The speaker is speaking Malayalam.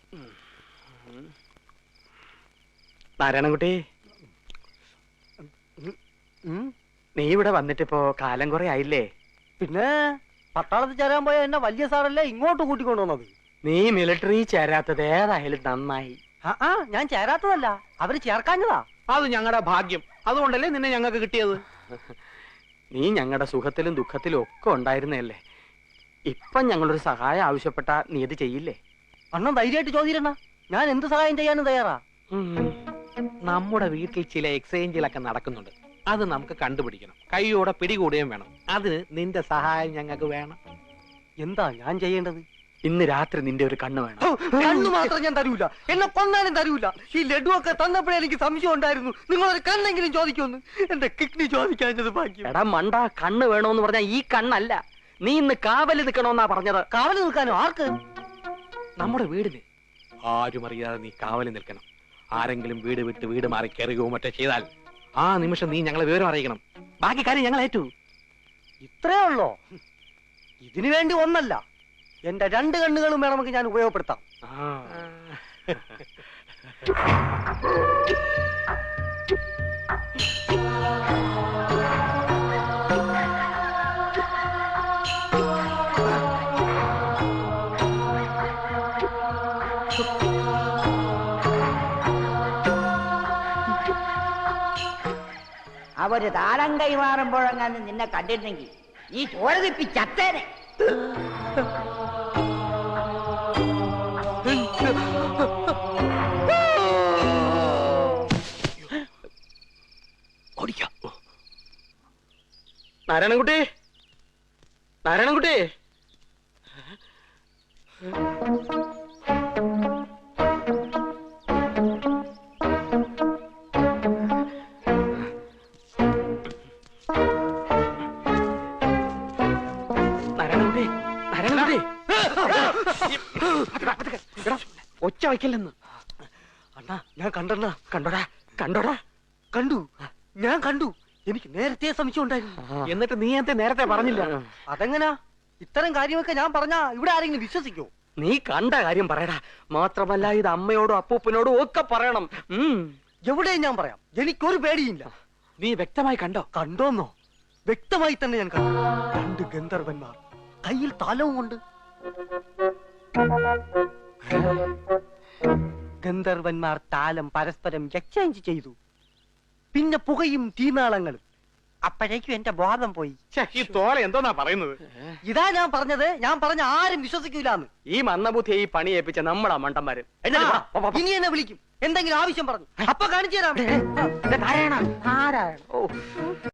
നാരായണൻകുട്ടി, നീ ഇവിടെ വന്നിട്ടിപ്പോ കാലം കുറെ ആയില്ലേ? പിന്നെ പട്ടാളത്തിൽ ചേരാൻ പോയ എന്നെ വലിയ സാറല്ലേ ഇങ്ങോട്ട് കൂട്ടിക്കൊണ്ടുവന്നത്. നീ മിലിറ്ററി ചേരാത്തത് ഏതായാലും നന്നായി. ഞാൻ ചേരാത്തതല്ല, അവര് ചേർക്കാഞ്ഞതാ. അത് ഞങ്ങളുടെ ഭാഗ്യം. അതുകൊണ്ടല്ലേ നിന്നെ ഞങ്ങൾക്ക് കിട്ടിയത്. നീ ഞങ്ങളുടെ സുഖത്തിലും ദുഃഖത്തിലും ഒക്കെ ഉണ്ടായിരുന്നല്ലേ. ഇപ്പം ഞങ്ങളൊരു സഹായം ആവശ്യപ്പെട്ട നീ ഇത് ചെയ്യില്ലേ? അണ്ണൻ ധൈര്യമായിട്ട് ചോദിച്ചിരണ, ഞാൻ എന്ത് സഹായം ചെയ്യാനും തയ്യാറാ. നമ്മുടെ വീട്ടിൽ ചില എക്സ്ചേഞ്ചിലൊക്കെ നടക്കുന്നുണ്ട്. അത് നമുക്ക് കണ്ടുപിടിക്കണം. കൈയോടെ പിടികൂടുകയും വേണം. അതിന് നിന്റെ സഹായം ഞങ്ങൾക്ക് വേണം. എന്താ ഞാൻ ചെയ്യേണ്ടത്? ഇന്ന് രാത്രി നിന്റെ ഒരു കണ്ണ് വേണം. കണ്ണു മാത്രം ഞാൻ തരൂല, എന്നെ കൊന്നാലും തരൂല. ഈ ലഡു ഒക്കെ തന്നപ്പോഴേ എനിക്ക് സംശയം ഉണ്ടായിരുന്നു നിങ്ങളൊരു കണ്ണെങ്കിലും ചോദിക്കുമെന്ന്. എന്റെ കിഡ്നി ചോദിക്കാഞ്ഞത് ഭാഗ്യം. എടാ മണ്ട, കണ്ണ് വേണോന്ന് പറഞ്ഞാ ഈ കണ്ണല്ല. നീ ഇന്ന് കാവല് നിൽക്കണോന്നാ പറഞ്ഞത്. കാവല് നിൽക്കാനോ? ആർക്ക്? നമ്മുടെ വീടിന് ആരും അറിയാതെ നീ കാവല് നിൽക്കണം. ആരെങ്കിലും വീട് വിട്ട് വീട് മാറി കയറുകയോ മറ്റോ ചെയ്താൽ ആ നിമിഷം നീ ഞങ്ങളെ വിവരം അറിയിക്കണം. ബാക്കി കാര്യം ഞങ്ങൾ ഏറ്റു. ഇത്രേ ഉള്ളോ? ഇതിനു വേണ്ടി ഒന്നല്ല, എന്റെ 2 കണ്ണുകളും വേണമെങ്കിൽ ഞാൻ ഉപയോഗപ്പെടുത്താം. അവര് താരം കൈമാറുമ്പോഴെങ്ങാനും നിന്നെ കണ്ടിരുന്നെങ്കിൽ ഈ ചോര തിപ്പി ചത്തേനെ. നാരായണൻകുട്ടി, നാരായണൻകുട്ടി, ഒച്ച വയ്ക്കല്ലെന്ന്. അണ്ണാ ഞാൻ കണ്ടണ്ണ. കണ്ടോടാ കണ്ടോടാ? കണ്ടു, ഞാൻ കണ്ടു. എനിക്ക് നേരത്തെ സംശയം ഉണ്ടായിരുന്നു. എന്നിട്ട് നീ എന്തേ നേരത്തെ പറഞ്ഞില്ല? അതെങ്ങനാ? ഇത്തരം കാര്യമൊക്കെ ഞാൻ പറഞ്ഞാ ഇവിടെ ആരെങ്കിലും വിശ്വസിക്കോ? നീ കണ്ട കാര്യം പറയടാ. മാത്രമല്ല ഇത് അമ്മയോടും അപ്പൂപ്പനോടും ഒക്കെ പറയണം. എവിടെയും ഞാൻ പറയാം, എനിക്കൊരു പേടിയില്ല. നീ വ്യക്തമായി കണ്ടോ? കണ്ടോന്നോ? വ്യക്തമായി തന്നെ ഞാൻ കണ്ടു. 2 ഗന്ധർവന്മാർ കയ്യിൽ താലവും കൊണ്ട്. ഗന്ധർവന്മാർ താലം പരസ്പരം എക്സ്ചേഞ്ച് ചെയ്തു. പിന്നെ പുകയും തീനാളങ്ങളും. അപ്പോഴേക്കും എന്റെ ബോധം പോയി. ഈ തോല എന്തോന്നാ പറയുന്നത്? ഇതാ ഞാൻ പറഞ്ഞത്. ഞാൻ പറഞ്ഞ ആരും വിശ്വസിക്കൂലെന്ന്. ഈ മന്ദബുദ്ധിയെ ഈ പണി ഏൽപ്പിച്ച നമ്മളാ മണ്ടന്മാര്. ഇനി എന്നെ വിളിക്കും, എന്തെങ്കിലും ആവശ്യം പറഞ്ഞു. അപ്പൊ കാണിച്ചു തരാം. നാരായണ, ആരാണ്? ഓ